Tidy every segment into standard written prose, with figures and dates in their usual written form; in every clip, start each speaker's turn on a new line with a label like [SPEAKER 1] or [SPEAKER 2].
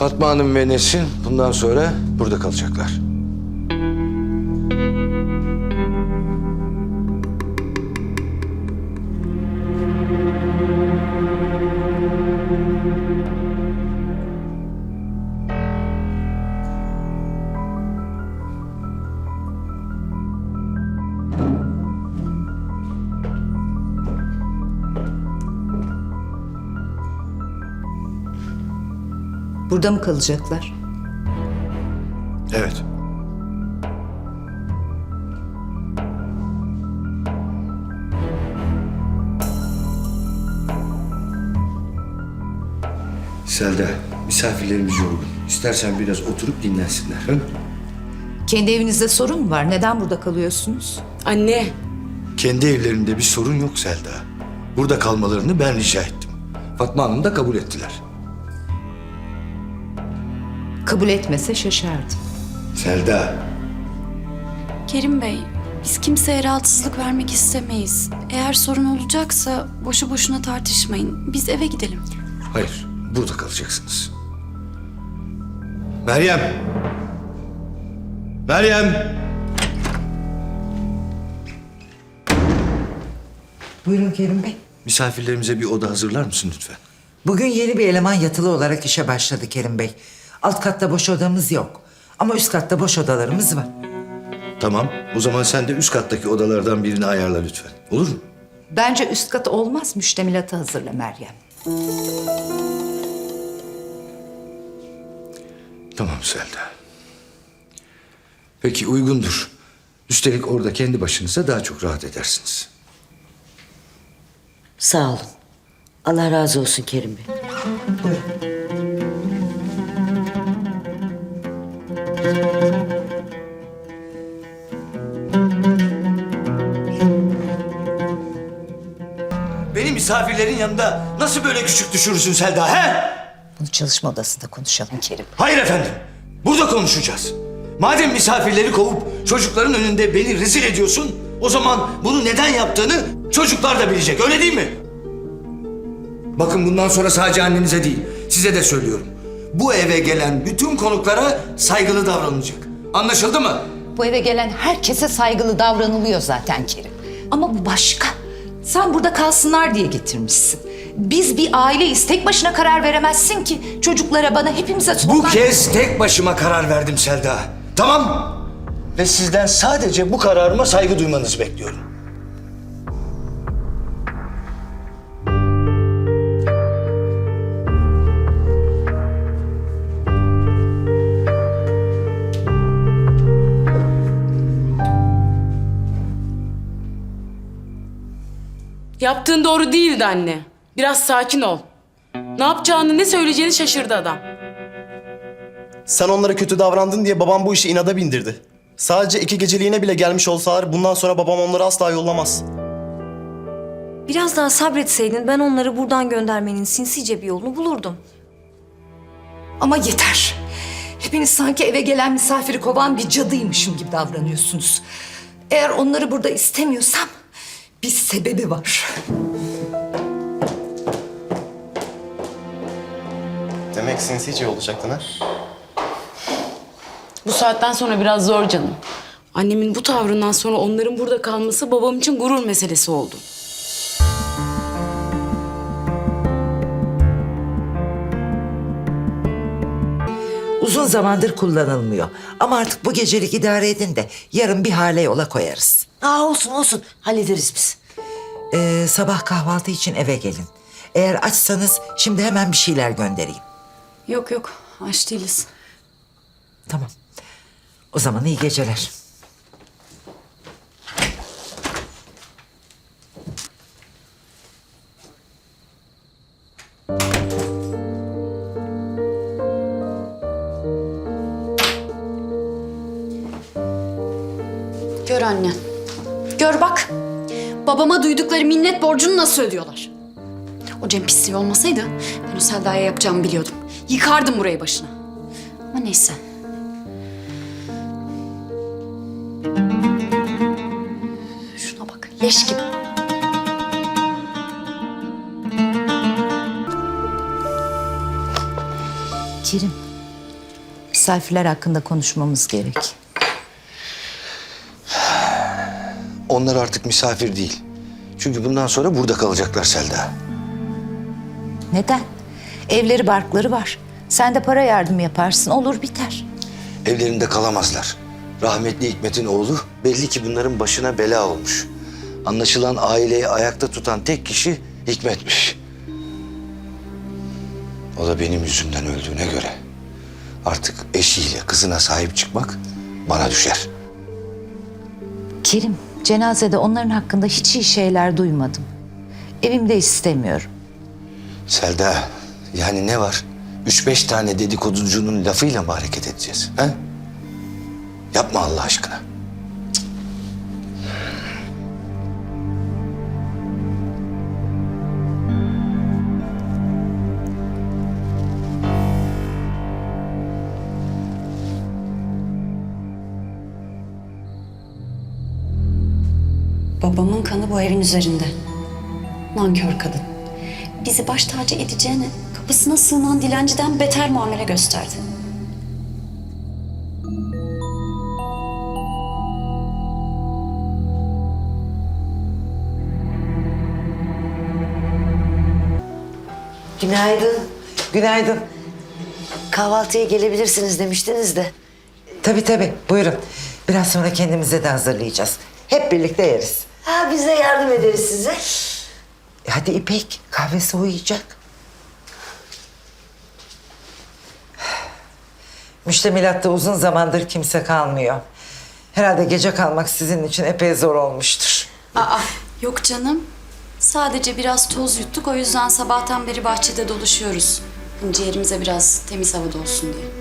[SPEAKER 1] Fatma Hanım ve Nesrin bundan sonra burada kalacaklar.
[SPEAKER 2] Burada mı kalacaklar?
[SPEAKER 1] Evet. Selda, misafirlerimiz yorgun. İstersen biraz oturup dinlensinler. Hı?
[SPEAKER 2] Kendi evinizde sorun mu var? Neden burada kalıyorsunuz?
[SPEAKER 3] Anne,
[SPEAKER 1] Kendi evlerinde bir sorun yok Selda. Burada kalmalarını ben rica ettim. Fatma Hanım da kabul ettiler.
[SPEAKER 2] Kabul etmese şaşardım.
[SPEAKER 1] Selda,
[SPEAKER 4] Kerim Bey, biz kimseye rahatsızlık vermek istemeyiz. Eğer sorun olacaksa boşu boşuna tartışmayın. Biz eve gidelim.
[SPEAKER 1] hayır, burada kalacaksınız. Meryem! Meryem!
[SPEAKER 5] Buyurun Kerim Bey.
[SPEAKER 1] Misafirlerimize bir oda hazırlar mısın lütfen?
[SPEAKER 5] Bugün yeni bir eleman yatılı olarak işe başladı Kerim Bey. Alt katta boş odamız yok. Ama üst katta boş odalarımız var.
[SPEAKER 1] Tamam, o zaman sen de üst kattaki odalardan birini ayarla lütfen. Olur mu?
[SPEAKER 2] Bence üst kat olmaz. Müştemilatı hazırla Meryem.
[SPEAKER 1] Tamam Selda. Peki uygundur. Üstelik orada kendi başınıza daha çok rahat edersiniz.
[SPEAKER 6] Sağ olun. Allah razı olsun Kerim Bey.
[SPEAKER 1] Beni misafirlerin yanında nasıl böyle küçük düşürürsün Selda he?
[SPEAKER 2] Bunu çalışma odasında konuşalım Kerim.
[SPEAKER 1] Hayır efendim. Burada konuşacağız. Madem misafirleri kovup çocukların önünde beni rezil ediyorsun, o zaman bunu neden yaptığını çocuklar da bilecek, öyle değil mi? Bakın bundan sonra sadece annenize değil, size de söylüyorum. Bu eve gelen bütün konuklara saygılı davranılacak. Anlaşıldı mı?
[SPEAKER 2] Bu eve gelen herkese saygılı davranılıyor zaten Kerim. Ama bu başka. Sen burada kalsınlar diye getirmişsin. Biz bir aileyiz. Tek başına karar veremezsin ki. Çocuklara, bana, hepimize
[SPEAKER 1] Bu
[SPEAKER 2] sorunlar...
[SPEAKER 1] kez tek başıma karar verdim Selda. Tamam? Ve sizden sadece bu kararıma saygı duymanızı bekliyorum.
[SPEAKER 3] yaptığın doğru değildi anne. Biraz sakin ol. Ne yapacağını, ne söyleyeceğini şaşırdı adam.
[SPEAKER 7] Sen onlara kötü davrandın diye babam bu işi inada bindirdi. Sadece 2 geceliğine bile gelmiş olsalar bundan sonra babam onları asla yollamaz.
[SPEAKER 8] Biraz daha sabretseydin ben onları buradan göndermenin sinsice bir yolunu bulurdum.
[SPEAKER 2] Ama yeter. Hepiniz sanki eve gelen misafiri kovan bir cadıymışım gibi davranıyorsunuz. Eğer onları burada istemiyorsam bir sebebi var.
[SPEAKER 7] Demek sinsice olacaktın ha?
[SPEAKER 3] Bu saatten sonra biraz zor canım. Annemin bu tavrından sonra onların burada kalması babam için gurur meselesi oldu.
[SPEAKER 5] Uzun zamandır kullanılmıyor. Ama artık bu gecelik idare edin de yarın bir hale yola koyarız.
[SPEAKER 6] Olsun olsun. Hallederiz biz.
[SPEAKER 5] Sabah kahvaltı için eve gelin. Eğer açsanız şimdi hemen bir şeyler göndereyim.
[SPEAKER 4] Yok yok, aç değiliz.
[SPEAKER 5] Tamam. O zaman iyi geceler.
[SPEAKER 4] Gör anne. Gör bak. Babama duydukları minnet borcunu nasıl ödüyorlar? O Cem pisliği olmasaydı ben o Selda'ya yapacağımı biliyordum. Yıkardım burayı başına. Ama neyse. Şuna bak, leş gibi.
[SPEAKER 6] Kerim
[SPEAKER 2] Misafirler hakkında konuşmamız gerek.
[SPEAKER 1] Onlar artık misafir değil. Çünkü bundan sonra burada kalacaklar Selda.
[SPEAKER 2] Neden? Evleri barkları var. Sen de para yardımı yaparsın, olur biter.
[SPEAKER 1] Evlerinde kalamazlar. Rahmetli Hikmet'in oğlu belli ki bunların başına bela olmuş. Anlaşılan aileyi ayakta tutan tek kişi Hikmet'miş. O da benim yüzümden öldüğüne göre artık eşiyle kızına sahip çıkmak bana düşer.
[SPEAKER 2] Kerim, cenazede onların hakkında hiç iyi şeyler duymadım. Evimde istemiyorum.
[SPEAKER 1] Selda, yani ne var? 3-5 tane dedikoducunun lafıyla mı hareket edeceğiz? He? Yapma Allah aşkına.
[SPEAKER 4] Babamın kanı bu evin üzerinde. Nankör kadın. Bizi baş tacı edeceğine kapısına sığınan dilenciden beter muamele gösterdi.
[SPEAKER 6] Günaydın.
[SPEAKER 5] Günaydın.
[SPEAKER 6] Kahvaltıya gelebilirsiniz demiştiniz de.
[SPEAKER 5] Tabii buyurun. Biraz sonra kendimize de hazırlayacağız. Hep birlikte yeriz.
[SPEAKER 6] Ha, biz de yardım ederiz size.
[SPEAKER 5] Hadi İpek, kahve soğuyacak. Müştemilatta uzun zamandır kimse kalmıyor. Herhalde gece kalmak sizin için epey zor olmuştur.
[SPEAKER 4] Yok canım. Sadece biraz toz yuttuk, o yüzden sabahtan beri bahçede dolaşıyoruz. Ciğerimize biraz temiz havada olsun diye.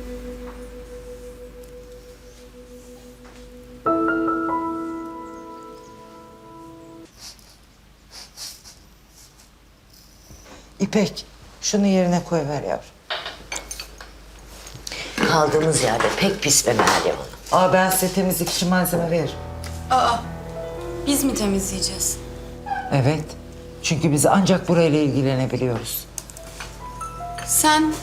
[SPEAKER 5] İpek, şunu yerine koyver yavrum.
[SPEAKER 6] Kaldığımız yerde pek pis be Meryem Hanım.
[SPEAKER 5] Ben size temizlik için malzeme veririm.
[SPEAKER 4] Biz mi temizleyeceğiz?
[SPEAKER 5] Evet. Çünkü biz ancak burayla ilgilenebiliyoruz.
[SPEAKER 4] Sen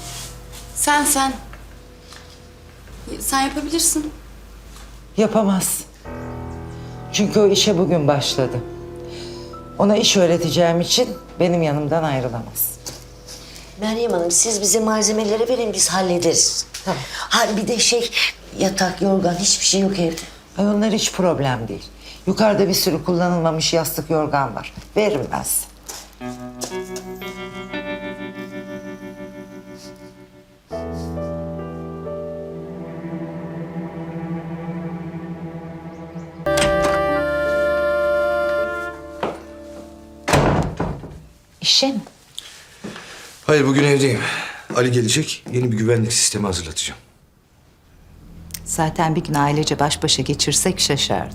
[SPEAKER 4] yapabilirsin.
[SPEAKER 5] Yapamaz. Çünkü o işe bugün başladı. Ona iş öğreteceğim için benim yanımdan ayrılamaz.
[SPEAKER 6] Meryem Hanım, siz bize malzemeleri verin, biz hallederiz. Tamam. Ha, bir de yatak, yorgan, hiçbir şey yok evde.
[SPEAKER 5] Ay, onlar hiç problem değil. Yukarıda bir sürü kullanılmamış yastık yorgan var. Veririm ben size.
[SPEAKER 2] İşe mi?
[SPEAKER 1] Hayır, bugün evdeyim. Ali gelecek, yeni bir güvenlik sistemi hazırlatacağım.
[SPEAKER 2] Zaten bir gün ailece baş başa geçirsek şaşardım.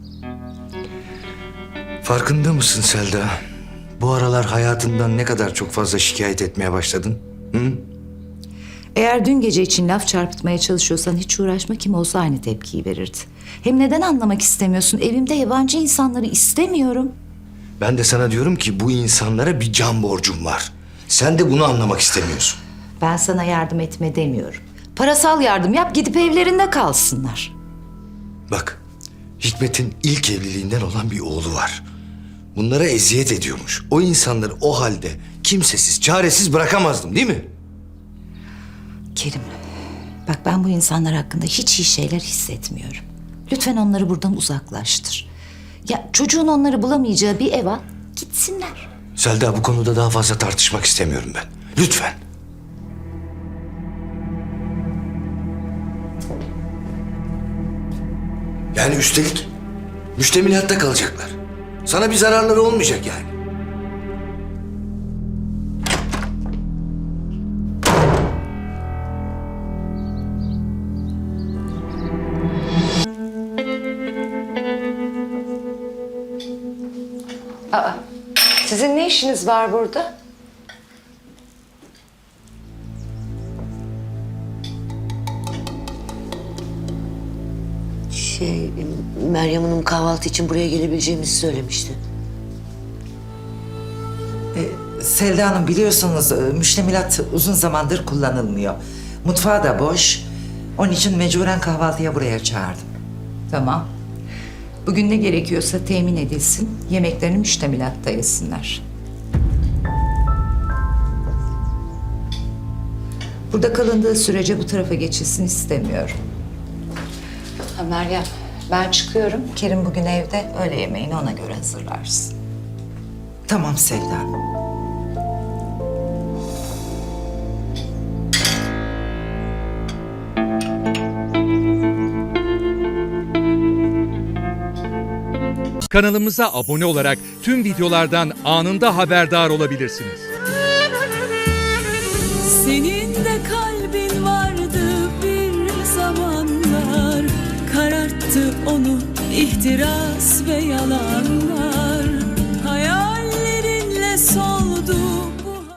[SPEAKER 1] Farkında mısın Selda? Bu aralar hayatından ne kadar çok fazla şikayet etmeye başladın? Hı?
[SPEAKER 2] Eğer dün gece için laf çarpıtmaya çalışıyorsan hiç uğraşma, kim olsa aynı tepkiyi verirdi. Hem neden anlamak istemiyorsun? Evimde yabancı insanları istemiyorum.
[SPEAKER 1] Ben de sana diyorum ki bu insanlara bir can borcum var. Sen de bunu anlamak istemiyorsun.
[SPEAKER 2] Ben sana yardım etme demiyorum. Parasal yardım yap, gidip evlerinde kalsınlar.
[SPEAKER 1] Bak, Hikmet'in ilk evliliğinden olan bir oğlu var. Bunlara eziyet ediyormuş. O insanları o halde kimsesiz, çaresiz bırakamazdım, değil mi?
[SPEAKER 2] Kerim, bak ben bu insanlar hakkında hiç iyi şeyler hissetmiyorum. Lütfen onları buradan uzaklaştır. Ya çocuğun onları bulamayacağı bir ev al, gitsinler.
[SPEAKER 1] Selda, bu konuda daha fazla tartışmak istemiyorum ben. Lütfen. Yani üstelik müştemilatta kalacaklar. Sana bir zararları olmayacak yani.
[SPEAKER 2] Sizin ne işiniz var burada?
[SPEAKER 6] Meryem Hanım kahvaltı için buraya gelebileceğimizi söylemişti.
[SPEAKER 5] Selda Hanım, biliyorsunuz müştemilat uzun zamandır kullanılmıyor. Mutfağı da boş. Onun için mecburen kahvaltıya buraya çağırdım.
[SPEAKER 2] Tamam. Bugün ne gerekiyorsa temin edilsin. Yemeklerini müştemilatta yesinler. Burada kalındığı sürece bu tarafa geçilsin istemiyorum. Ha Meryem, ben çıkıyorum. Kerim bugün evde. Öğle yemeğini ona göre hazırlarsın.
[SPEAKER 5] Tamam Selda Hanım.
[SPEAKER 9] Kanalımıza abone olarak tüm videolardan anında haberdar olabilirsiniz.
[SPEAKER 10] Senin de kalbin vardı bir zamanlar, kararttı onu ihtiras ve yalan.